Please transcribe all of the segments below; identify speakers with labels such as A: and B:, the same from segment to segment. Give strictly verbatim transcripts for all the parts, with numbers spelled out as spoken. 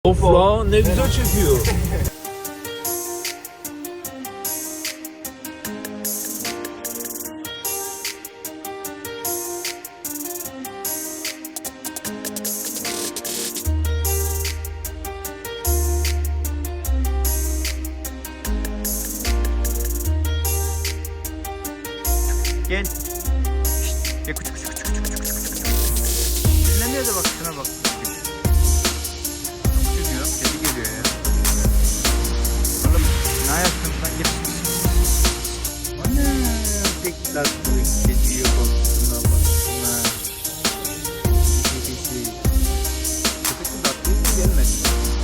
A: Of la ne güzel çekiyor.
B: Gel. Şşt. Gel küçük küçük küçük küçük küçük küçük. Dinlemiyor da bak şuna bak. Gidiyor, kedi geliyor ya. Oğlum ne yaptın lan gel. Ana tek tatlı kediye baksana baksana. Kedisi. Köpek mi tatlı mı gelmedi?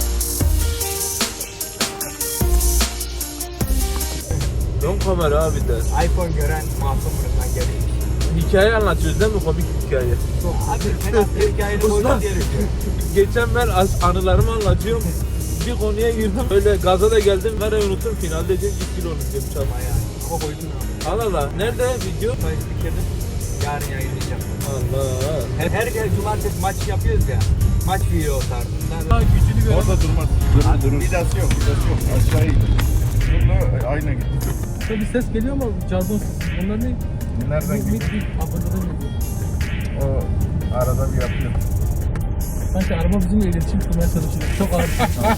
A: Ön kamera abi de.
B: iPhone gören masumlarından geliyor.
A: Hikaye anlatıyoruz değil mi? Komik hikaye.
B: Abi fena bir hikayenin
A: Usta.
B: boyunca gerekiyor.
A: Geçen ben as- anılarımı anlatıyorum. Bir konuya girdim. Öyle gaza da geldim. Nereye unuttum? Finalde dedim iki kilo unuttum çalma ya.
B: Ama koydun abi.
A: Allah Allah. Nerede video?
B: Sayın Spiker'de yarın yayınlayacağım.
A: Allah.
B: Her, her gel cumartesi maç yapıyoruz ya. Maç video o tarzında.
C: Ha, gücünü göre.
D: Orada durmaz.
B: Durur, durur.
D: Vidası yok, vidası yok. Aşağı gidiyor. Şurada ayna gitti.
C: Bir ses geliyor mu? Cazon sesi. Onlar ne?
D: Nereden
C: Mik
D: gidiyor?
C: mik aboneden geliyor.
D: O arada bir yapıyor.
C: Sanki araba bizimle iletişim kurmaya çalışıyor. Çok ağır.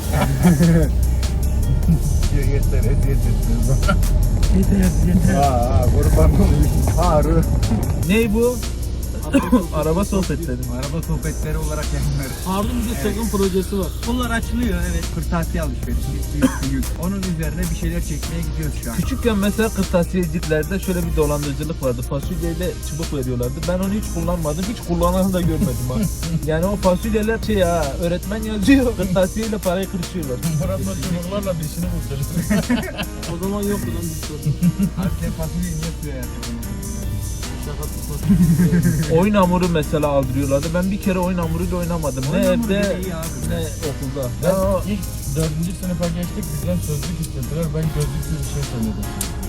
D: Yeter, eziyet ettiniz bana.
C: Yeter yeter.
D: Aa, kurban olayım. Ağrı.
A: Ney bu? Araba sohbetleri.
B: Araba sohbetleri olarak yayınlarız.
C: Harun bize sakın projesi var.
B: Bunlar açılıyor evet. Kırtasiye alışverişi. Büyük büyük. Onun üzerine bir şeyler çekmeye gidiyoruz şu an.
A: Küçükken mesela kırtasiyeciliklerde şöyle bir dolandırıcılık vardı. Fasulyeyle çubuk veriyorlardı. Ben onu hiç kullanmadım. Hiç kullananı da görmedim ha. Yani o fasulyeler şey ha, öğretmen yazıyor. Kırtasiyeyle parayı kırışıyorlar.
C: Murat'la çubuklarla bir işini bulacağız. O zaman yoktu lan bir sorun.
B: Abi sen fasulyeyi niye suya yatırdın?
C: Şaka tutmasın.
A: Oyun hamuru mesela aldırıyorlardı. Ben bir kere oyun hamuruyla oynamadım. Ne
B: Oyun hamuru
A: evde
B: bile iyi abi.
A: ne okulda.
C: Ben
A: Ben o
C: ilk dördüncü sınıfa geçtik. Bizden sözlük istediler. Ben gözlüklü bir şey söyledim.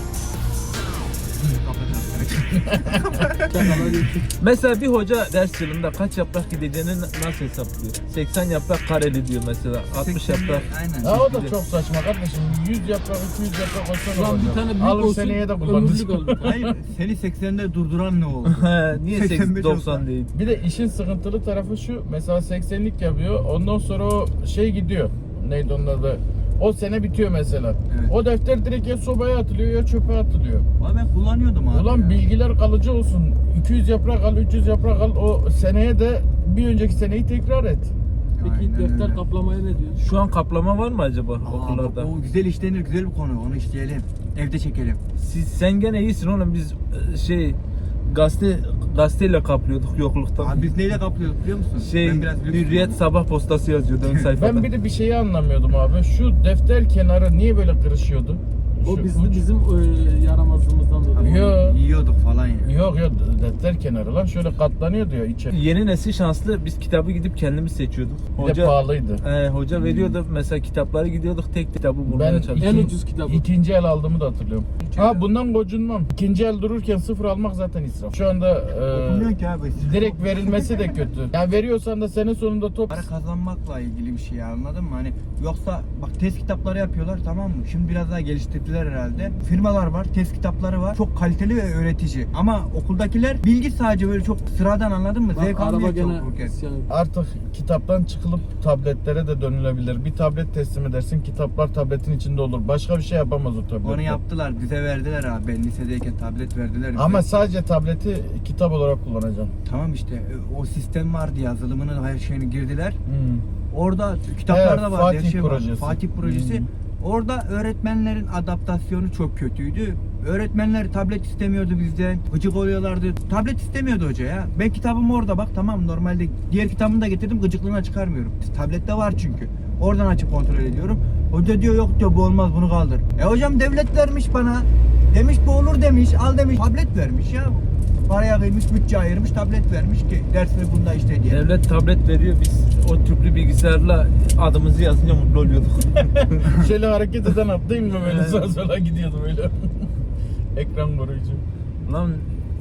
C: Şakalar geçtik.
A: mesela bir hoca ders yılında kaç yaprak gideceğini nasıl hesaplıyor? seksen yaprak kareli diyor mesela. altmış yaprak.
B: Aynen.
C: Ya o da çok saçma kardeşim. yüz yaprak, iki yüz yaprak olsa
E: Lan bir
C: olacak.
E: tane büyük
C: Alır
E: olsun,
C: seneye de
E: ömürlük
C: kullanırsın.
E: olur.
B: Hayır seni seksende durduran ne oldu?
A: He, niye
B: seksen
A: seksen
B: beş
A: doksan
B: olsa?
A: değil?
C: Bir de işin sıkıntılı tarafı şu. Mesela seksenlik yapıyor. Ondan sonra o şey gidiyor. Neydi onun adı? O sene bitiyor mesela.
B: Evet.
C: O defter direkt ya sobaya atılıyor ya çöpe atılıyor.
B: Valla ben kullanıyordum abi.
C: Ulan
B: ya.
C: bilgiler kalıcı olsun. iki yüz yaprak al, üç yüz yaprak al. O seneye de bir önceki seneyi tekrar et.
E: Peki
B: Aynen
E: defter
B: öyle.
E: kaplamaya ne diyor?
A: Şu an kaplama var mı acaba
B: Aa,
A: okullarda?
B: bak, o güzel işlenir, güzel bir konu. Onu işleyelim. Evde çekelim.
A: Siz, sen gene iyisin oğlum, biz e, şey gazete gazeteyle kaplıyorduk yokluktan.
B: Abi biz neyle kaplıyorduk biliyor musun?
A: şey
B: Ben biraz lüks
A: Hürriyet
B: oldum.
A: sabah postası yazıyordu ön sayfada.
C: Ben bir de bir şeyi anlamıyordum abi. Şu defter kenarı niye böyle kırışıyordu?
E: O
C: Şu
E: bizim
C: uç-
E: bizim e, yaramazlığımızdan
B: Abi
E: dolayı.
C: Yo.
B: onu yiyorduk falan ya.
C: Yok yok defter kenarı lan şöyle katlanıyor diyor içeri.
A: Yeni nesil şanslı, biz kitabı gidip kendimiz seçiyorduk.
C: Bir de pahalıydı.
A: He, hoca veriyordu mesela, kitapları gidiyorduk tek kitabı bulmaya
C: Ben
A: çalışıyorduk.
E: En ucuz kitabı.
C: İkinci el aldığımı da hatırlıyorum. Ha bundan gocunmam. İkinci el dururken sıfır almak zaten israf. Şu anda
B: Okumuyor
C: e,
B: ki abi.
C: direkt verilmesi de kötü. Yani veriyorsan da sene sonunda top.
B: Para kazanmakla ilgili bir şey anladın mı? Hani yoksa bak test kitapları yapıyorlar tamam mı? Şimdi biraz daha geliştirdiler herhalde. Firmalar var, test kitapları var. Çok kaliteli ve öğretici. Ama okuldakiler bilgi sadece böyle çok sıradan anladın mı?
E: Bak,
B: Zevk
E: araba
B: almıyor
E: gene
B: çok okurken.
E: isyan.
C: Artık kitaptan çıkılıp tabletlere de dönülebilir. Bir tablet teslim edersin, kitaplar tabletin içinde olur. Başka bir şey yapamaz o tablet.
B: Onu yaptılar, bize verdiler abi. Ben lisedeyken tablet verdiler bize.
C: Ama sadece tableti kitap olarak kullanacaksın.
B: Tamam işte o sistem vardı, yazılımının her şeyini girdiler.
C: Hmm.
B: Orada kitaplar
C: Evet,
B: da vardı, her
C: Fatih
B: şey vardı.
C: projesi.
B: Fatih projesi.
C: Hmm.
B: Orada öğretmenlerin adaptasyonu çok kötüydü. Öğretmenler tablet istemiyordu bizden. Gıcık oluyorlardı. Tablet istemiyordu hoca ya. Ben kitabım orada bak tamam normalde diğer kitabımı da getirdim gıcıklığına çıkarmıyorum. Tablette var çünkü. Oradan açıp kontrol ediyorum. Hoca diyor yok diyor bu olmaz bunu kaldır. E hocam devlet vermiş bana. Demiş bu olur demiş. Al demiş. Tablet vermiş ya. Paraya kıymış, bütçe ayırmış, tablet vermiş ki dersini bunda işte diye.
A: Devlet tablet veriyor, biz o tüplü bilgisayarla adımızı yazınca mutlu oluyorduk.
C: Şöyle hareket eden atlayayım mı böyle sağa sola gidiyordu böyle. Ekran koruyucu.
A: Lan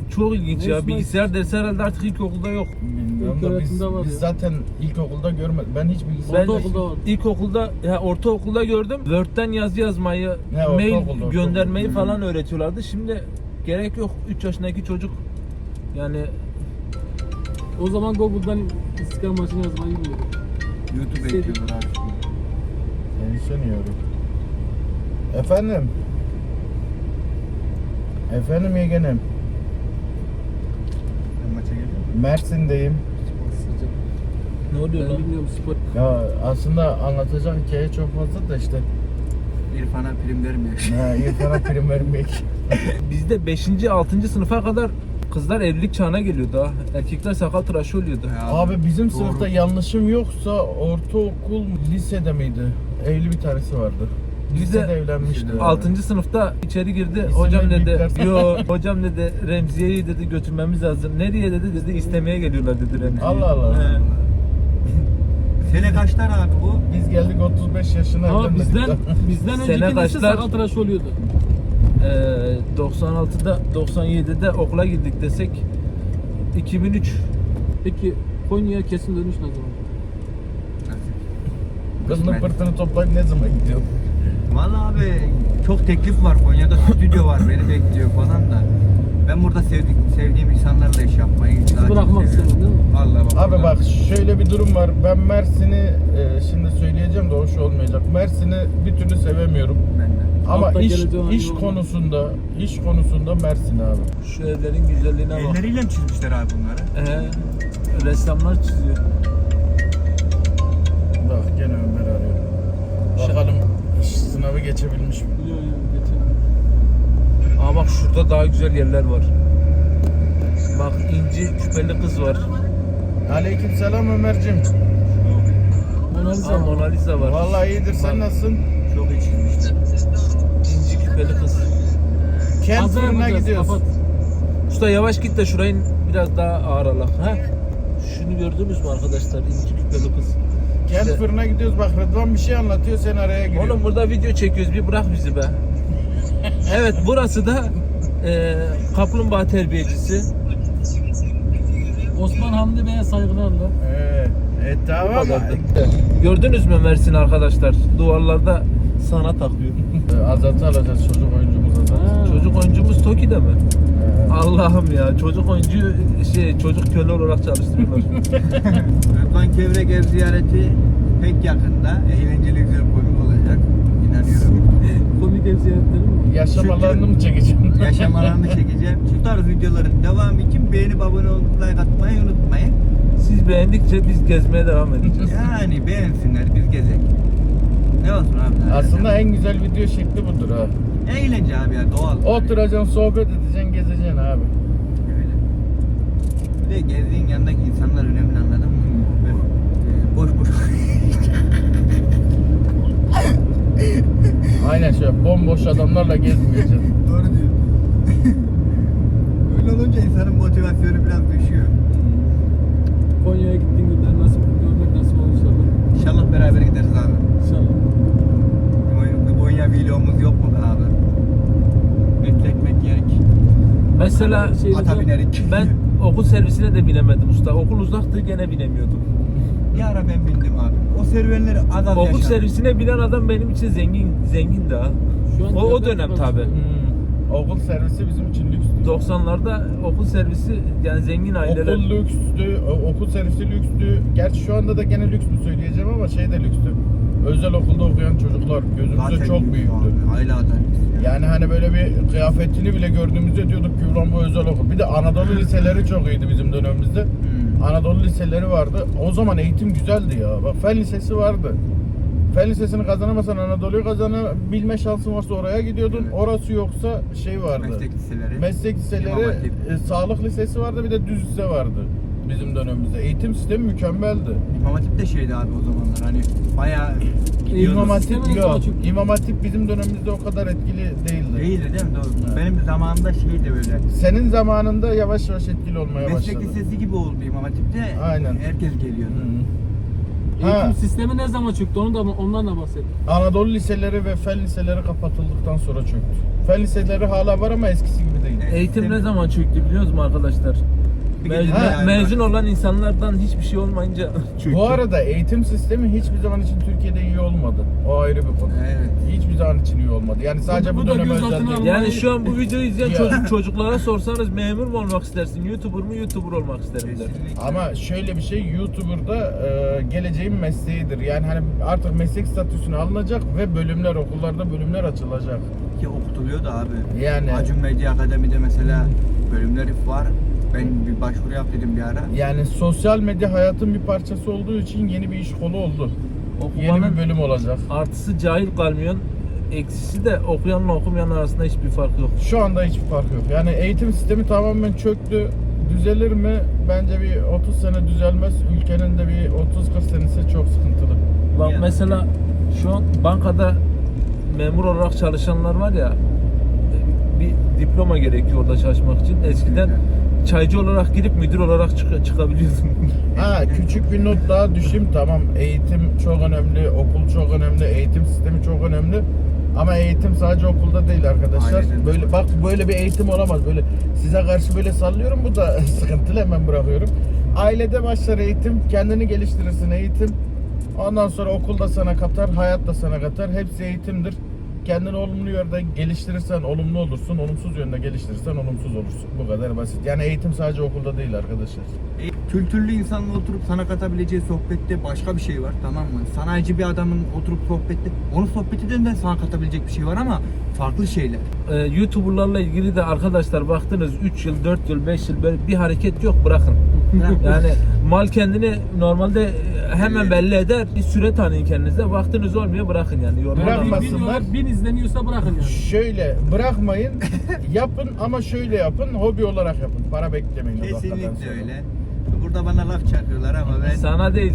A: çok ilginç ya.
E: Neyse,
A: Bilgisayar dersi herhalde artık ilkokulda yok.
C: Bilmiyorum
E: İlk
C: da biz,
E: öğretimde var
C: biz
E: ya.
C: zaten ilkokulda görmedik. Ben hiç bilgisayar...
A: Ben
E: Ortaokulda var.
A: ilkokulda, ya ortaokulda gördüm. Word'den yazı yazmayı,
C: He,
A: mail
C: ortaokulda,
A: göndermeyi
C: ortaokulda.
A: falan öğretiyorlardı. Şimdi gerek yok. üç yaşındaki çocuk yani
E: O zaman Google'dan İstiklal maçını yazmayı bilmiyorum.
B: YouTube
E: Şey-
B: ekliyorlar abi.
C: Endişeleniyorum. Efendim? Efendim yeğenim?
B: Ben maça geliyorum.
C: Mersin'deyim.
E: Sıcak.
A: ne oluyor
E: Ben
A: lan?
E: bilmiyorum spor.
C: Ya aslında anlatacak hikaye çok fazla da işte.
B: İrfan'a prim vermiyor.
C: Ha, İrfan'a prim vermek.
A: Bizde beşinci altıncı sınıfa kadar kızlar evlilik çağına geliyordu ha. Erkekler sakal tıraşı oluyordu.
B: Ya
C: Abi bizim
B: doğru.
C: sınıfta yanlışım yoksa ortaokul lisede miydi? Evli bir tanesi vardı.
A: Bizde
C: Lisede evlenmişti.
A: altıncı sınıfta içeri girdi.
C: İsimleri
A: Hocam dedi,
C: büyükler-
A: yo hocam dedi Remziye'yi dedi götürmemiz lazım. Nereye dedi dedi istemeye geliyorlar dedi Remziye'yi.
C: Allah Allah.
A: He.
B: Sene kaçlar abi bu?
C: Biz geldik otuz beş yaşına
E: Ama
C: evlenmedik
E: bizden
C: daha.
E: bizden
A: Sene
E: önceki nesil
A: kaçlar?
E: sakal tıraşı oluyordu.
A: Ee, doksan altıda doksan yedide okula gittik desek iki bin üç.
E: Peki Konya'ya kesin dönüş ne zaman?
C: Kızının pırtını toplayıp ne zaman gidiyor?
B: Valla abi çok teklif var. Konya'da stüdyo var. Beni bekliyor falan da. Ben burada sevdik, sevdiğim insanlarla iş yapmayı daha çok
E: bırakmak
B: seviyorum.
E: istemiyorum, değil mi?
B: Vallahi bak.
C: Abi
B: burada-
C: bak şöyle bir durum var. Ben Mersin'i e, şimdi söyleyeceğim de hoş olmayacak. Mersin'i bir türlü sevemiyorum.
B: Ben de.
C: Ama
E: Altta
C: iş
E: geleceğin
C: iş
E: yolu.
C: konusunda, iş konusunda Mersin abi.
A: Şu evlerin güzelliğine bak.
B: Elleriyle mi çizmişler abi bunları?
A: Ee, ressamlar çiziyor.
C: Bak gene Ömer arıyor. Bakalım sınavı geçebilmiş mi?
E: Yok yok geçelim.
A: Aa bak şurada daha güzel yerler var. Bak inci küpeli kız var.
C: Aleykümselam Ömer'cim.
E: Mona Lisa
A: Aa
E: var.
A: Mona Lisa var.
C: Vallahi iyidir. Sen
A: Bak,
C: nasılsın?
B: Çok iyi çizmişler.
A: İnci küpeli kız.
C: Kent
E: Hazır
C: fırına
E: yapacağız,
C: gidiyoruz.
E: kapat.
A: Usta yavaş git de şurayı biraz daha ağır alak. Ha? Şunu gördünüz mü arkadaşlar? İnci küpeli kız.
C: Kent
A: İşte-
C: fırına gidiyoruz. Bak Rıdvan bir şey anlatıyor. Sen araya giriyorsun.
A: Oğlum burada video çekiyoruz bir bırak bizi be. Evet burası da e, kaplumbağa terbiyecisi.
E: Osman Hamdi Bey'e saygılarla.
C: Ee, e,
A: Bu
C: tamam.
A: kadardı. Gördünüz mü Mersin arkadaşlar? Duvarlarda sana takıyor.
C: Ee, Azat'ı alacağız çocuk oyuncumuz Azat.
E: Ha.
A: Çocuk oyuncumuz Toki'de mi?
C: Ee,
A: Allah'ım ya çocuk oyuncu şey çocuk köle olarak çalıştırıyorlar.
B: Rıdvan Kevrek ev ziyareti pek yakında. Eğlenceli güzel komik olacak. İnanıyorum.
E: Komik ev ziyaretleri mi?
C: yaşam alanını mı çekeceğim?
B: Yaşamalarını çekeceğim. Şu tarz videoların devamı için beğenip abone olup like atmayı unutmayın.
A: Siz beğendikçe biz gezmeye devam edeceğiz.
B: Yani beğensinler biz gezek. Ne olsun abi?
C: Aslında en güzel video şekli budur ha.
B: eğlence abi ya doğal.
C: Oturacaksın, sohbet edeceksin, gezeceksin abi.
B: Öyle. Bir de gezdiğin yanındaki insanlar önemli anladın mı? Böyle, e, boş boş.
C: Aynen şöyle bomboş adamlarla gezmeyeceksin.
B: Doğru diyor. Öyle olunca insanın motivasyonu biraz düşüyor.
E: Konya'ya gittiğin günler nasıl görmek nasip olur inşallah.
B: İnşallah beraber gideriz abi.
E: İnşallah.
B: Bir Konya vlogumuz yok mu be abi? Bekletmek gerek.
A: Mesela
E: Şey-
B: Ata binerik.
A: ben okul servisine de binemedim usta. Okul uzaktı gene binemiyordum.
B: Bir ara ben bindim abi. O serüvenleri az az
A: Okul
B: yaşadım.
A: servisine binen adam benim için zengin zengin daha.
E: Şu an
A: O, o
E: devlet
A: dönem
E: arası.
A: tabi.
C: Hmm. Okul servisi bizim için lükstü.
A: doksanlarda okul servisi yani zengin aileler.
C: Okul lükstü, o- okul servisi lükstü. Gerçi şu anda da gene lüks mü söyleyeceğim ama şey de lükstü. Özel okulda okuyan çocuklar gözümüzde
B: Zaten
C: çok
B: büyük
C: büyüktü.
B: abi. Aile adaleti.
C: Yani hani böyle bir kıyafetini bile gördüğümüzde diyorduk ki ulan bu özel okul. Bir de Anadolu liseleri çok iyiydi bizim dönemimizde.
B: Hmm.
C: Anadolu liseleri vardı. O zaman eğitim güzeldi ya. Bak Fen Lisesi vardı. Fen Lisesi'ni kazanamasan Anadolu'yu kazanabilme şansın varsa oraya gidiyordun.
B: Evet.
C: Orası yoksa şey vardı.
B: Meslek liseleri.
C: Meslek liseleri,
B: İmam Hatip.
C: e, sağlık lisesi vardı, bir de düz lise vardı bizim dönemimizde. Eğitim sistemi mükemmeldi.
B: İmam Hatip de şeydi abi o zamanlar hani bayağı gidiyordu.
C: İmam Hatip
E: sistemi de
C: yok.
E: daha çok-
C: İmam Hatip bizim dönemimizde o kadar etkili değildi.
B: Değildi değil mi? Doğru.
C: Evet.
B: Benim zamanımda şeydi böyle.
C: Senin zamanında yavaş yavaş etkili olmaya
B: Meslek
C: başladı.
B: lisesi gibi oldu İmam Hatip'te.
C: Aynen.
B: Herkes geliyordu.
C: Hı. Ha.
E: Eğitim sistemi ne zaman çöktü? Onu da ondan da bahsedin.
C: Anadolu liseleri ve fen liseleri kapatıldıktan sonra çöktü. Fen liseleri hala var ama eskisi gibi değil.
B: Evet.
A: Eğitim ne zaman çöktü biliyor musunuz arkadaşlar?
B: Bir
A: Mezun,
B: gecede yani
A: mezun
B: var.
A: olan insanlardan hiçbir şey olmayınca çöktü.
C: Bu arada eğitim sistemi hiçbir zaman için Türkiye'de iyi olmadı. O ayrı bir konu.
B: Evet.
C: Hiçbir zaman için iyi olmadı. Yani sadece
E: Bu-
C: bu,
E: bu da
C: döneme
E: göz
C: özel
E: altına
C: değil.
E: alın-
A: Yani şu an bu videoyu izleyen
C: Ya.
A: çocuk çocuklara sorsanız memur mu olmak istersin, YouTuber mu, YouTuber olmak isterim der.
B: Kesinlikle.
C: Ama şöyle bir şey, YouTuber'da e, geleceğin mesleğidir. Yani hani artık meslek statüsüne alınacak ve bölümler, okullarda bölümler açılacak.
B: Ki okutuluyor da abi.
C: Yani-
B: Acun Medya Akademi'de mesela bölümleri var. Ben bir başvuru yap dedim bir ara.
C: Yani sosyal medya hayatın bir parçası olduğu için yeni bir iş kolu oldu. Yeni
A: Okumanın
C: bir bölüm olacak.
A: artısı cahil kalmıyorsun, eksisi de okuyanla okumayan arasında hiçbir fark yok.
C: Şu anda hiçbir fark yok. Yani eğitim sistemi tamamen çöktü. Düzelir mi? Bence bir otuz sene düzelmez. Ülkenin de bir otuz kırk senesi çok sıkıntılı.
A: Bak
B: Yani.
A: mesela şu an bankada memur olarak çalışanlar var ya, bir diploma gerekiyor orada çalışmak için. Eskiden çaycı olarak girip müdür olarak çık- çıkabiliyordun.
C: Ha, küçük bir not daha düşeyim. Tamam, eğitim çok önemli, okul çok önemli, eğitim sistemi çok önemli. Ama eğitim sadece okulda değil arkadaşlar.
B: Aynen.
C: Böyle bak, böyle bir eğitim olamaz. Böyle size karşı böyle sallıyorum, bu da sıkıntılı, hemen bırakıyorum. Ailede başlar eğitim, kendini geliştirirsin eğitim. Ondan sonra okulda sana katar, hayat da sana katar. Hepsi eğitimdir. Kendini olumlu yönde geliştirirsen olumlu olursun, olumsuz yönde geliştirirsen olumsuz olursun. Bu kadar basit. Yani eğitim sadece okulda değil arkadaşlar.
B: E, Kültürlü insanla oturup sana katabileceği sohbette başka bir şey var, tamam mı? Sanayici bir adamın oturup sohbette, onun sohbetinden de sana katabilecek bir şey var ama farklı şeyler.
A: Ee, YouTuber'larla ilgili de arkadaşlar baktınız üç yıl, dört yıl, beş yıl böyle bir hareket yok, bırakın. Yani mal kendini normalde hemen belli eder. Bir süre tanıyın kendinize. Baktınız olmuyor, bırakın yani. Yorma
C: Bırakma.
A: olmaz.
E: Bin videolar bin izleniyorsa bırakın yani.
C: Şöyle bırakmayın, yapın ama şöyle yapın, hobi olarak yapın. Para beklemeyin. o dakikadan
B: Kesinlikle
C: sonra.
B: öyle. Burada bana laf çakıyorlar ama ben...
A: Sana değil.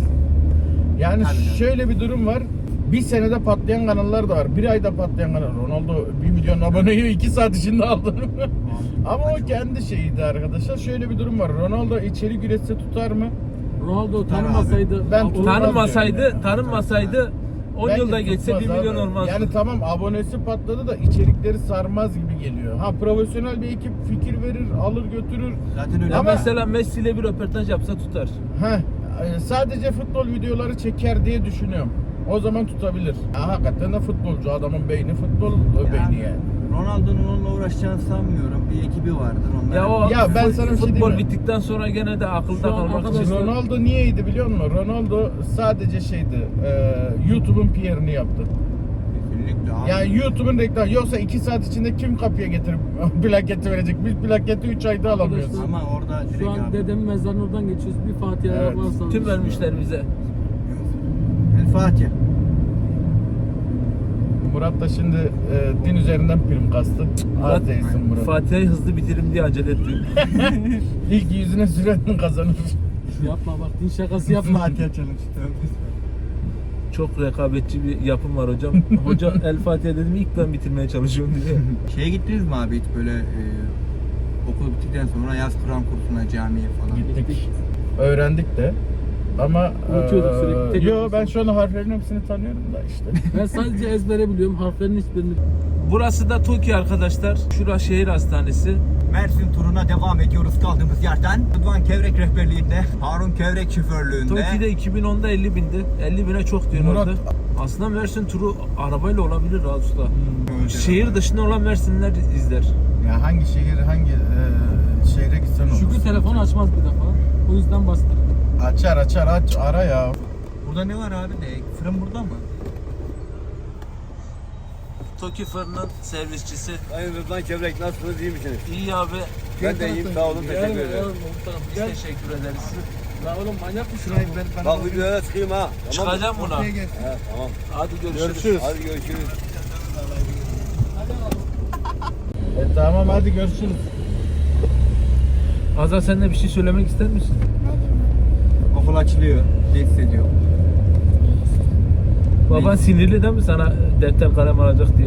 C: Yani
B: Tabii canım.
C: şöyle bir durum var. Bir senede patlayan kanallar da var. Bir ayda patlayan kanal. Ronaldo bir milyon aboneyi iki saat içinde aldı. Ama o kendi şeyiydi arkadaşlar. Şöyle bir durum var. Ronaldo içerik üretse tutar mı?
E: Ronaldo
B: Tutar
E: tanımasaydı...
C: Ben
E: Olur.
C: tutar-
A: Tanınmasaydı, tanınmasaydı on
C: Bence
A: yılda geçse bir
C: tutmaz
A: milyon
C: abi.
A: olmaz.
C: Yani tamam, abonesi patladı da içerikleri sarmaz gibi geliyor. Ha, profesyonel bir ekip fikir verir, alır götürür.
B: Zaten öyle
A: Ya
C: Ama-
A: mesela Messi ile bir röportaj yapsa tutar.
C: Heh, e, sadece futbol videoları çeker diye düşünüyorum. O zaman tutabilir. Ha, hakikaten de futbolcu, adamın beyni futbol beyni yani.
B: Ronaldo'nun onunla uğraşacağını sanmıyorum. Bir ekibi vardır onlar.
A: Ya o
C: Ya ben sana bir şey
A: futbol
C: diyeyim mi?
A: bittikten sonra gene de akılda
E: Şu an
A: kalmak için.
E: arkadaşlar-
C: Ronaldo niyeydi biliyor musun? Ronaldo sadece şeydi, e, YouTube'un P R'ını yaptı.
B: Kesinlikle abi.
C: Yani YouTube'un reklamı. Yoksa iki saat içinde kim kapıya getirip plaketi verecek? Biz plaketi üç ayda alamıyoruz.
E: Arkadaşlar-
B: Ama orada direkt
E: Şu an
B: abi.
E: dedemin mezarının oradan geçiyoruz. Bir Fatiha
C: Evet.
E: varsa...
A: Tüm vermişler bize.
B: El Fatiha.
C: Murat da şimdi e, din üzerinden prim kastı. Az değilsin Murat.
A: Fatiha'yı hızlı bitirim diye acele etti.
C: İlk yüzüne süren kazanır.
E: Yapma bak, din şakası yapma.
B: Fatiha challenge.
A: Çok rekabetçi bir yapım var hocam. Hoca El Fatiha dedim, ilk ben bitirmeye çalışıyorum diye.
B: Şeye gittiniz mi abi hiç böyle e, okul bittikten sonra yaz Kur'an kursuna, camiye falan?
C: Gittik. Öğrendik de. Ama
E: Unutuyorduk
C: e,
E: sürekli, tek
C: Yo,
E: yapıyorsun.
C: ben şu an harflerin hepsini tanıyorum da işte.
E: Ben sadece ezbere biliyorum. Harflerin hiçbirini...
A: Burası da Tokyo arkadaşlar. Şura şehir hastanesi.
B: Mersin turuna devam ediyoruz kaldığımız yerden. Rıdvan Kevrek rehberliğinde, Harun Kevrek şoförlüğünde.
A: Tokyo'da iki bin onda elli bindi. elli bine çok diyorlardı.
C: Murat-
A: Aslında Mersin turu arabayla olabilir rahat usta.
B: Hmm.
A: Şehir dışında olan Mersinliler izler.
C: Ya hangi şehir, hangi e, şehre gitsen olur.
E: Şükrü telefonu açmaz bir defa. O yüzden bastır.
C: Açar açar aç ara ya.
B: Burada ne var abi? Ne? Fırın burada mı?
A: Tokyo fırının servisçisi.
F: Sayın Rıdvan Kevrek, nasılsınız, iyi misiniz?
A: İyi abi.
F: Ben de iyiyim, sağ olun, teşekkür
E: Gel,
F: ederim.
E: gel,
A: Biz teşekkür ederiz.
E: La oğlum manyak mısın?
F: Bak videoya çıkayım ha. Tamam mı?
A: Çıkacağım buna.
F: He, tamam.
A: Hadi görüşürüz.
C: Görüşürüz.
F: Hadi görüşürüz.
C: E, tamam hadi görüşürüz.
A: Azar, sen de bir şey söylemek ister misin?
B: Okul açılıyor. Ne hissediyor?
A: Baban sinirli değil mi sana defter kalem alacak diye?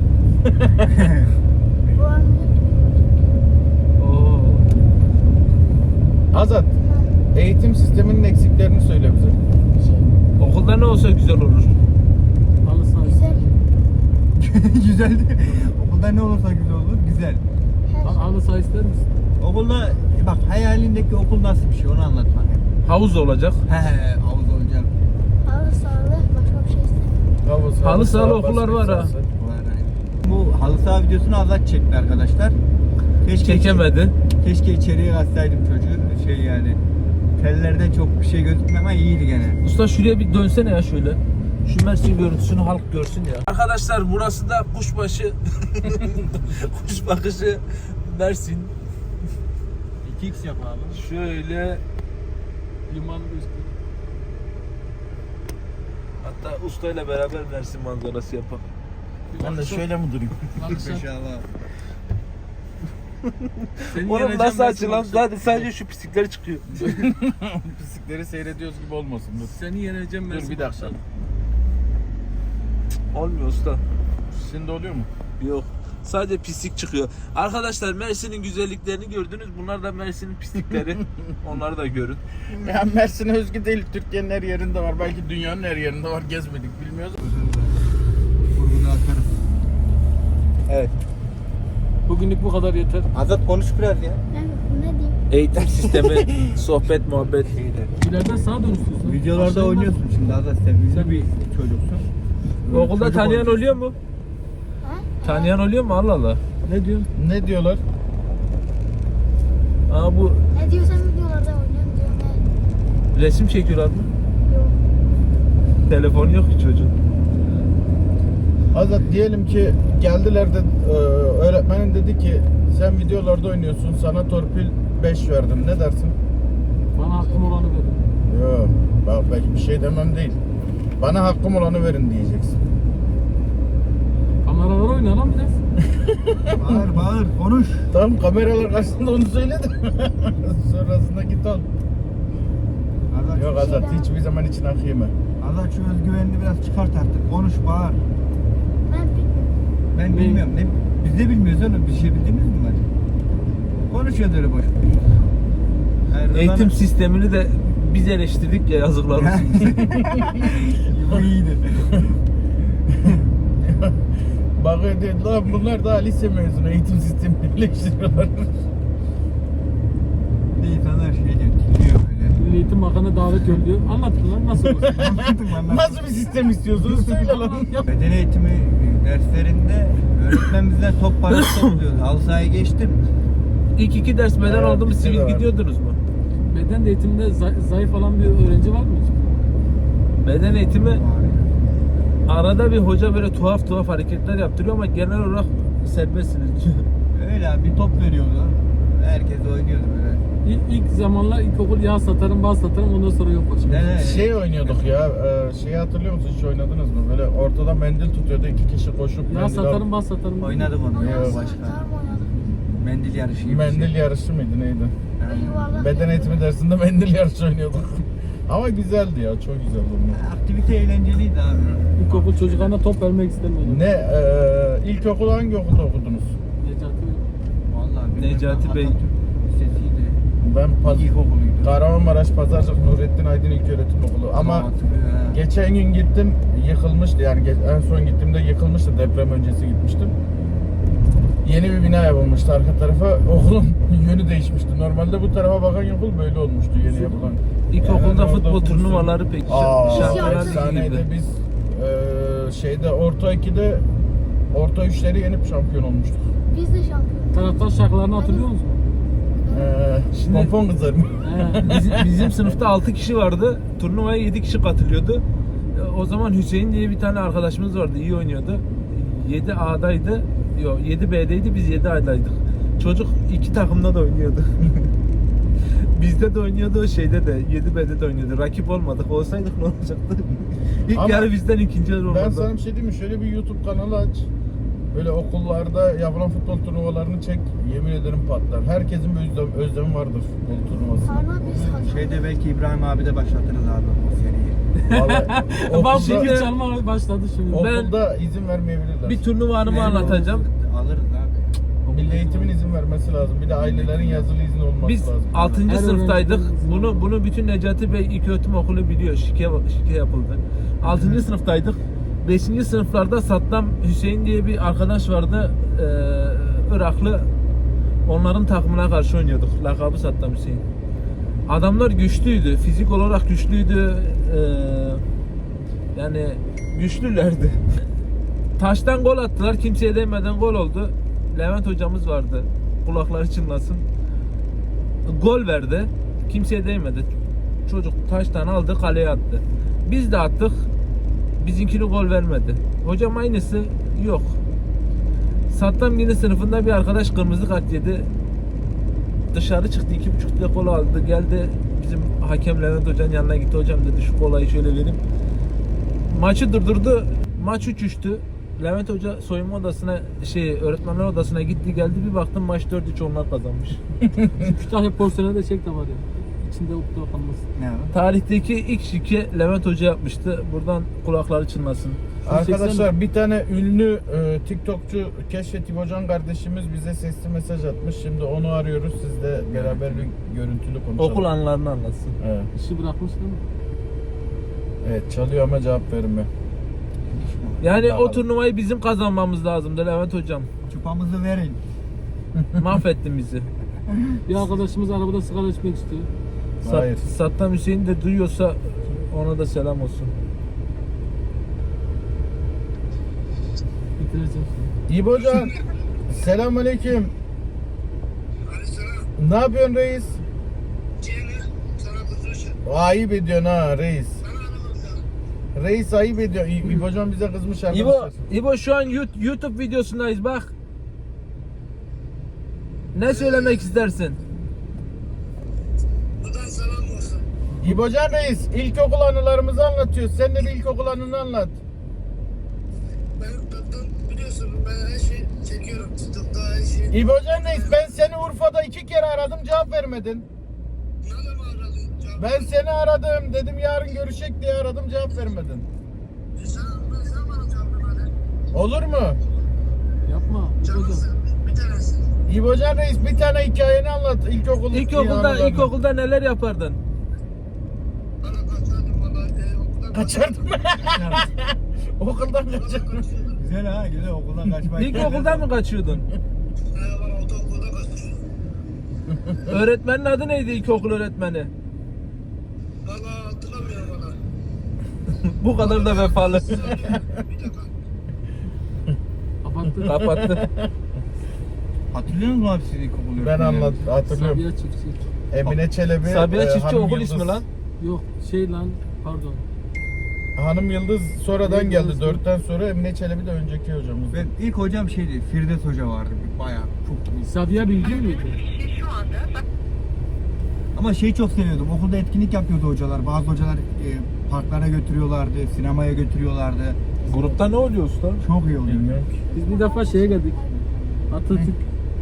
A: Oo.
C: Azat, eğitim sisteminin eksiklerini söyle bize.
A: Okulda ne olsa güzel olur.
E: Halı saha.
G: Güzel.
B: Güzeldi. Okulda ne olursa güzel olur. Güzel.
G: Her
E: Ha- Halı saha ister misin?
B: Okulda bak hayalindeki okul nasıl bir şey onu anlat bana.
A: Havuz olacak.
B: He he havuz olacak.
G: halı sahalı başka bir şey istemiyorum.
C: Havuz,
A: Halı sahalı
C: saha,
A: okullar
C: basket
A: var ha.
C: sahası.
B: Var aynen. Bu halı saha videosunu Azat çekti arkadaşlar. Keşke
A: Çekemedi.
B: Keşke içeriye katsaydım çocuğu. Şey yani. Tellerden çok bir şey gözükmüyor ama iyiydi gene.
A: Usta şuraya bir dönsene ya şöyle. Şu Mersin görüntüsünü halk görsün ya. Arkadaşlar burası da kuşbaşı. Kuş bakışı Mersin.
B: iki x yap abi.
A: Şöyle
E: Liman üstü.
A: hatta ustayla beraber Mersin manzarası yapalım.
C: Ben de şöyle mi durayım?
B: İnşallah.
E: Seni
A: Oğlum
E: yeneceğim
A: nasıl
E: ben
A: açılan?
E: seni.
A: Zaten sadece şu pislikler çıkıyor.
C: Pislikleri seyrediyoruz gibi olmasın. Dur.
E: Seni yeneceğim ben
C: Dur
E: seni.
C: bir dakika.
A: Olmuyor usta.
C: Şimdi oluyor mu?
A: Yok. Sadece pislik çıkıyor. Arkadaşlar Mersin'in güzelliklerini gördünüz. Bunlar da Mersin'in pislikleri. Onları da görün.
C: Ya Mersin'e özgü değil. Türkiye'nin her yerinde var. Belki dünyanın her yerinde var. Gezmedik bilmiyoruz.
B: Vurgunu atarım. Evet.
E: Bugünlük bu kadar yeter.
B: Azat konuş biraz ya.
G: Ben ne diyeyim?
A: Eğitim sistemi, sohbet, muhabbet.
E: İleriden sağa dön istiyorsan.
B: Videolarda
E: Aşağıdan-
B: oynuyorsun şimdi Azat sen ünlü bir çocuksun.
A: Okulda
B: Çocuk
A: tanıyan
B: oyuncusu.
A: oluyor mu?
G: Ha?
A: Tanıyan oluyor mu? Allah Allah.
E: Ne diyorsun?
C: Ne diyorlar?
A: Aa bu
G: Ne diyorsan videolarda oynuyorum diyorum. He.
A: resim çekiyorlar mı?
G: Yok.
A: Telefon yok ki çocuğun.
C: Azat diyelim ki geldiler de e, öğretmenin dedi ki sen videolarda oynuyorsun. Sana torpil beş verdim. Ne dersin?
E: Bana hakkım olanı verin.
C: Yok. Bak belki bir şey demem değil. Bana hakkım olanı verin diyeceksin.
E: Kameralar oyna lan biraz.
B: Bağır bağır konuş.
C: Tamam kameralar karşısında onu söyledim. Sonrasında git ol.
B: Azat,
C: Yok Azat hiçbir zaman için hak yeme.
B: Azat şu özgüvenini biraz çıkart artık. Konuş bağır.
G: Ben bilmiyorum.
B: Ben
E: Ne?
B: bilmiyorum. Ne, biz de bilmiyoruz oğlum. Bir şey bildiğimiz mi var? Konuşuyoruz öyle boş boş. Hayır,
A: Eğitim
B: Rıza'nın-
A: sistemini de biz eleştirdik ya yazıklar olsun.
B: Bu iyiydi.
C: Bakıyor diyor lan bunlar daha lise mezunu eğitim sistemini eleştiriyorlar.
B: Bir de insanlar şey diyor, dinliyor böyle.
E: Milli Eğitim Bakanı davet yolluyor. Anlatın lan nasıl olur?
B: Anlattım anlattım.
C: Nasıl bir sistem istiyorsunuz söyle lan.
B: Beden eğitimi derslerinde öğretmen bizden top parası topluyordu. Halı sahaya geçtim.
A: İlk iki ders beden
C: Evet,
A: oldu mu
C: bizde de
A: sivil
C: var.
A: gidiyordunuz mu?
E: Beden eğitiminde zay- zayıf olan bir öğrenci var mı hiç?
A: Beden eğitimi arada bir hoca böyle tuhaf tuhaf hareketler yaptırıyor ama genel olarak serbestsiniz.
B: Öyle abi bir top veriyordu. Herkes oynuyordu böyle.
E: İlk, ilk zamanlar ilkokul yağ satarım, bal satarım ondan sonra yok başım.
B: Ne, ne?
C: Şey oynuyorduk ya, e, şeyi hatırlıyor musun? Hiç oynadınız mı? Böyle ortada mendil tutuyordu, iki kişi koşup
E: Yağ
C: mendil
E: satarım,
C: al-
E: bal satarım.
B: Oynadık onu.
G: Ondan
B: Ya,
G: sonra
B: başka.
G: gitar mı oynadım?
B: Mendil yarışı gibi. bir
C: Mendil
B: şey.
C: yarışı mıydı neydi?
G: Ve yuvarlak.
C: Beden eğitimi dersinde mendil yarışı oynuyorduk. Ama güzeldi ya, çok güzeldi onlar.
B: Aktivite eğlenceliydi abi.
E: İlkokul çocuklarına top vermek istemiyordum.
C: Ne, e, ilkokulu hangi okulda okudunuz?
E: Necati
B: Vallahi
A: Necati
B: bilmem,
A: Bey.
B: Atatürk Lisesi'ydi.
C: Ben Paz
B: İlkokuluydu.
C: Kahramanmaraş Pazarcık Nurettin Aydın İlköğretim Okulu. Ama
B: Tamam, hatırlıyorum, ha.
C: geçen gün gittim, yıkılmıştı yani ge- en son gittiğimde yıkılmıştı, deprem öncesi gitmiştim. Yeni bir bina yapılmıştı arka tarafa, okulun yönü değişmişti. Normalde bu tarafa bakan okul böyle olmuştu yeni yapılan.
A: İlkokulda
C: Hemen orada
A: futbol
C: okumuşsun.
A: turnuvaları pek
C: Aa,
A: şampiyonlar ligi
C: efsaneydi.
A: gibi.
C: Biz e, şeyde orta ikide orta üçleri yenip şampiyon olmuştuk.
G: Biz de şampiyon.
E: taraftar şarkılarını hatırlıyor musun?
C: Ee,
A: Şimdi-
C: pompon kızar mı?
E: He.
A: Bizim, bizim sınıfta altı kişi vardı. Turnuvaya yedi kişi katılıyordu. E, O zaman Hüseyin diye bir tane arkadaşımız vardı. İyi oynuyordu. yedi A'daydı. Yok yedi B'deydi. Biz yedi A'daydık. Çocuk iki takımda da oynuyordu. Bizde de oynuyordu, şeyde de yedi B'de de oynuyordu. Rakip olmadık. Olsaydık ne olacaktı? İlk
C: Ama
A: yarı bizden ikinci yarı olmadı.
C: Ben sana bir şey diyeyim mi? Şöyle bir YouTube kanalı aç. Böyle okullarda yapılan futbol turnuvalarını çek. Yemin ederim patlar. Herkesin bir özlem, özlemi vardır futbol turnuvası.
G: Karna biz hatırlıyoruz.
B: Şeyde belki İbrahim abi de başlatırız abi o seriyi.
C: Vallahi
E: Bak
C: okulda,
E: şimdi çalma başladı şimdi.
A: Ben-
C: okulda izin vermeyebilirler.
A: Bir turnuva anımı
B: Yani
A: anlatacağım.
B: Alırız abi.
C: Milli Eğitim'in izin vermesi lazım. Bir de ailelerin yazılı izni olması
A: Biz
C: lazım.
A: altıncı
E: Her
A: sınıftaydık.
E: öğrencinin-
A: Bunu bunu bütün Necati Bey İlköğretim Okulu biliyor. Şike şike yapıldı. altıncı sınıftaydık. beşinci sınıflarda Saddam Hüseyin diye bir arkadaş vardı. Ee, Iraklı. Onların takımına karşı oynuyorduk. Lakabı Saddam Hüseyin. Adamlar güçlüydü. Fizik olarak güçlüydü. Ee, yani güçlülerdi. Taştan gol attılar. Kimseye değmeden gol oldu. Levent hocamız vardı. Kulakları çınlasın. Gol verdi. Kimseye değmedi. Çocuk taştan aldı, kaleye attı. Biz de attık. Bizimkini gol vermedi. Hocam aynısı yok. Saddam yine sınıfında bir arkadaş kırmızı kart yedi. Dışarı çıktı, iki buçuk lira kola aldı. Geldi bizim hakem Levent Hoca'nın yanına gitti. Hocam dedi şu kolayı şöyle vereyim. Maçı durdurdu. Maç üç üçtü. Levent Hoca soyunma odasına, şey öğretmenler odasına gitti geldi. Bir baktım maç dört üç onlar kazanmış.
E: Kütahya porsiyonu da çek de var ya. İçinde ukde kalmasın.
B: Ne abi?
A: Tarihteki ilk şike Levent Hoca yapmıştı. Buradan kulakları çınlasın.
C: Arkadaşlar bir tane ünlü e, TikTokçu Keşfet İbocan kardeşimiz bize sesli mesaj atmış. Şimdi onu arıyoruz. Sizle beraber bir görüntülü konuşalım.
A: Okul anılarını anlatsın.
C: Evet.
E: İşi bırakmış değil mi?
C: Evet, çalıyor ama cevap vermiyor.
A: Yani
C: Bakalım.
A: o turnuvayı bizim kazanmamız lazımdı Levent Hocam.
B: Çupamızı verin.
A: Mahvettin bizi.
E: Bir arkadaşımız arabada sigara içmek istiyor.
A: Sat-
C: Hayır.
A: Saddam Hüseyin de duyuyorsa ona da selam olsun.
E: Bitireceğim.
C: İbocan, selamünaleyküm. Ne yapıyorsun reis? Ayıp ediyorsun ha reis. Reis ayıp ediyor. İ- İbocan bize kızmış
A: İbo,
C: arkadaşlar.
A: İbo şu an Yu- YouTube videosundayız bak. Ne söylemek istersin?
C: İbocan reis ilkokul anılarımızı anlatıyor. Sen de bir ilkokul anını anlat.
H: Ben zaten biliyorsun ben her şeyi çekiyorum. TikTok'ta her şeyi.
C: İbocan reis ben seni Urfa'da iki kere aradım cevap vermedin.
H: Nerede mi aradın? Cevap-
C: Ben seni aradım dedim yarın görüşecek diye aradım cevap vermedin.
H: E sen, ben sen bana cevap vermedin.
C: Olur mu?
E: Yapma. Hocam.
H: Canlısın. Bir tanesi.
C: İbocan reis bir tane hikayeni anlat ilkokul
A: İlkokulda,
C: anılarını.
A: ilkokulda neler yapardın?
H: Bana kaçardım valla. E, okuldan
C: Kaçardım. Okuldan kaçardım.
B: Güzel ha, güzel okuldan kaçmayı.
A: İlkokulda mı kaçıyordun?
H: E, bana ortaokulda kaçmışım.
A: Öğretmenin adı neydi ilkokul öğretmeni?
H: Valla hatırlamıyorum valla.
A: Bu kadar da vefalı.
H: Bir dakika.
E: Kapattı.
A: Kapattı.
B: Hatırlıyor musun abi siz ilkokul
C: Ben
B: öğretmenleri?
C: anlat hatırlıyorum.
E: Sabiha Çiftçi.
C: Emine Çelebi.
A: Sabiha
C: e,
A: Çiftçi
C: Hanım
A: okul
C: Yıldız.
A: ismi lan.
E: Yok şey lan pardon.
C: Hanım Yıldız sonradan
E: Neydi
C: geldi.
E: orası?
C: Dörtten sonra Emine Çelebi de önceki hocamız.
B: Ben ilk hocam şeydi, Firdevs Hoca vardı. Bayağı çok iyi.
E: Sabiha Bilgin miydi?
B: Ama şeyi çok seviyordum. Okulda etkinlik yapıyordu hocalar. Bazı hocalar e, parklara götürüyorlardı, sinemaya götürüyorlardı.
A: Grupta ne oluyor usta?
B: Çok iyi oluyor.
C: Bilmiyorum ki.
E: Biz bir defa şeye geldik. Atatürk.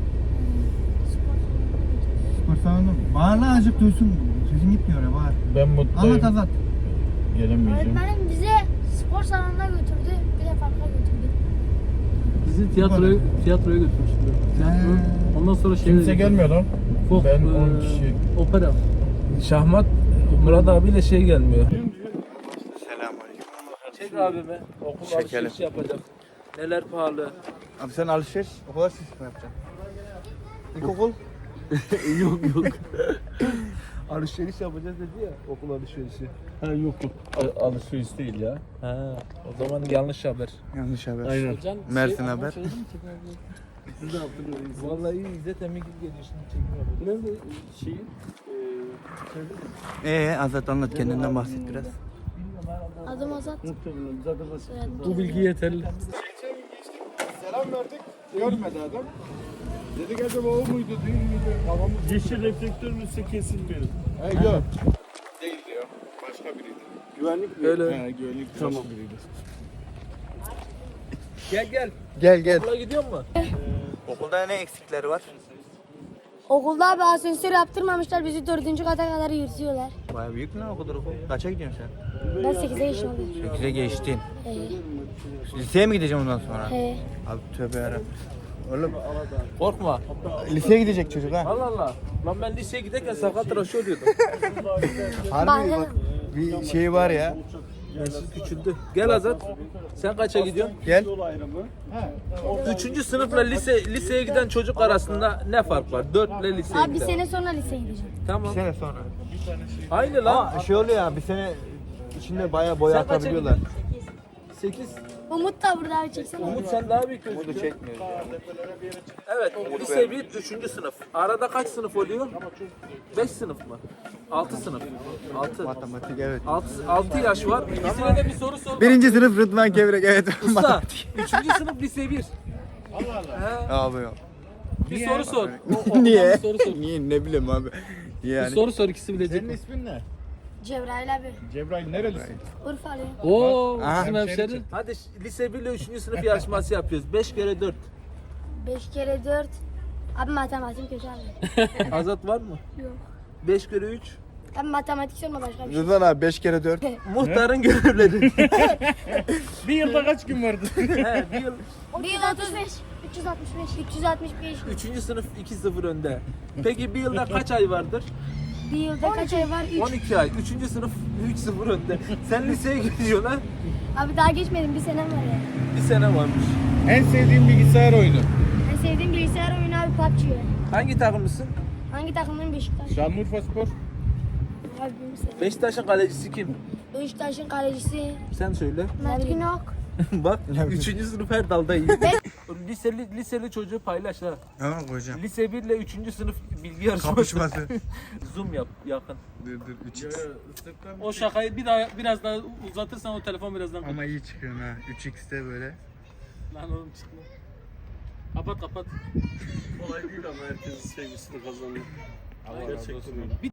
B: Spor salonu. Bağır lan azıcık duysun. Sesin gitmiyor ya, bağır.
C: Ben mutluyum.
B: Anlat Azat.
C: Gelemeyeceğim.
G: Öğretmenim bize spor salonuna götürdü. Bir de parka götürdü.
E: Bizi tiyatroya, tiyatroya götürmüştü. Tiyatro.
B: He.
E: Ondan sonra şey
C: Kimse gelmiyor lan.
E: Folk,
C: Ben
E: e,
C: on kişi.
E: Opera.
A: Şahmat Murat abiyle şey gelmiyor.
B: Selamünaleyküm.
A: Çek abime. Okul
B: Çekelim.
A: alışveriş yapacak. Neler pahalı.
B: Abi sen alışveriş, okul alışveriş mi yapacaksın? İlkokul?
A: yok yok. Alışveriş yapacağız dedi ya okul alışverişi.
D: Ha yok yok. Al- Alışveriş değil ya.
A: Ha, o zaman yanlış haber.
B: Yanlış haber.
D: Aynen.
E: Hocam,
B: Mersin
E: şey,
B: haber.
E: söyledin mi tekrar? Siz de hatırlıyorsunuz.
A: Vallahi İzzet Emre gibi geliyor şimdi çekmiyor.
E: Nerede şeyin? Eee
B: Ee Azat anlat, kendinden bahset biraz.
G: Adım Azat.
E: muhtemelen zaten
G: Soyadım
E: bu bilgi yeterli.
C: Selam verdik. Görmedi adam. Dedik acaba o muydu değil miydi? Kafamız.
D: Yeşil reflektörün üstü kesin benim.
C: He yok. Değil diyor. Başka biriydi.
D: Güvenlik mi?
A: Öyle.
C: He güvenlik
D: Tamam.
C: başka biriydi.
A: Gel gel.
B: Gel gel.
A: Okula gidiyor mu?
B: Okulda ne eksikleri var?
G: Okulda bir asansör yaptırmamışlar. Bizi dördüncü kata kadar yürütüyorlar.
B: Bayağı büyük lan okulda okul. Kaça gidiyorsun sen?
G: Ben sekize yaşındayım.
B: sekize geçtin.
G: He.
B: Liseye mi gideceğim ondan sonra?
G: He.
B: Abi tövbe yarabbim. Oğlum
A: Korkma.
B: liseye gidecek çocuk ha.
A: Allah Allah. Lan ben liseye giderken sakat tıraşı oluyordum.
B: Harbi bak bir şey var ya.
A: Gençlik küçüldü. Gel Azat. Sen kaça gidiyorsun?
B: Gel.
A: Üçüncü sınıfla lise liseye giden çocuk arasında ne fark var? Dört ile liseye
G: Abi bir
A: giden.
G: sene sonra liseye gideceğim.
A: Tamam.
B: sene sonra.
A: Aynı lan.
B: Ama şey oluyor ya bir sene içinde bayağı boya
A: Sen kaça
B: atabiliyorlar.
A: Sekiz.
G: Umut da burada abi çeksene.
A: Umut sen daha büyük
B: Bunu
A: gözüküyorsun.
B: çekmiyoruz ya.
A: Evet, lise bir, üçüncü sınıf. Arada kaç sınıf oluyor? Beş sınıf mı? Altı sınıf. Altı.
B: Matematik evet.
A: Altı, altı yaş var. İkisine de bir soru sor.
B: Birinci sınıf Rıdvan Kevrek evet.
A: Usta, üçüncü sınıf lise bir. He,
B: Abi ya.
A: bir soru sor. O- o-
B: Niye?
A: Bir soru sor.
B: Niye ne bileyim abi.
A: Bir
B: Yani.
A: soru sor, ikisi bilecek
C: Senin
A: mi?
C: ismin ne?
G: Cebrail abi.
C: Cebrail nerelisin?
G: Urfalıyım.
A: Oo,
B: Aha.
A: bizim hemşeri. Hadi lise bir ile üçüncü sınıf yarışması yapıyoruz. Beş kere dört.
G: Beş kere dört. Abi matematik kötü abi.
A: Azat var mı?
G: Yok.
A: Beş kere üç.
G: Abi matematik sorma başka bir şey.
B: Rıdvan abi beş kere dört.
A: Muhtarın görevleri.
C: Bir yılda kaç gün vardı?
A: He, bir yıl.
G: Bir yıl otuz beş. üç yüz altmış beş. üç yüz altmış beş.
A: Üçüncü sınıf iki sıfır önde. Peki bir yılda kaç ay vardır?
G: Bir yılda kaç ay var?
A: on
G: üç.
A: iki ay. Üçüncü sınıf üç sıfır önde. Sen liseye gidiyorsun ha?
G: Abi daha geçmedim. Bir senem var ya.
A: Bir sene varmış.
C: En sevdiğin bilgisayar oyunu?
G: En sevdiğim bilgisayar oyunu abi P U B G.
A: Hangi takımlısın?
G: Hangi takımın Beşiktaş?
C: Şanlıurfa Spor.
G: Abi bilmiyorum.
A: Beşiktaş'ın kalecisi kim?
G: Beşiktaş'ın kalecisi
A: Sen söyle.
G: Mert Günok.
A: Bak üçüncü sınıf her dalda iyi. liseli, liseli çocuğu paylaş ha.
B: Tamam hocam.
A: Lise bir ile üçüncü sınıf bilgi yarışması.
B: Kapışması.
A: Zoom yap yakın.
B: Dur dur üç x.
E: O şakayı bir daha biraz daha uzatırsan o telefon birazdan
B: Ama iyi çıkıyorsun ha. üç x'te böyle.
E: lan oğlum çıkma. Kapat kapat.
F: Kolay değil ama herkesin sevgisini kazanıyor.
E: Gerçekten öyle.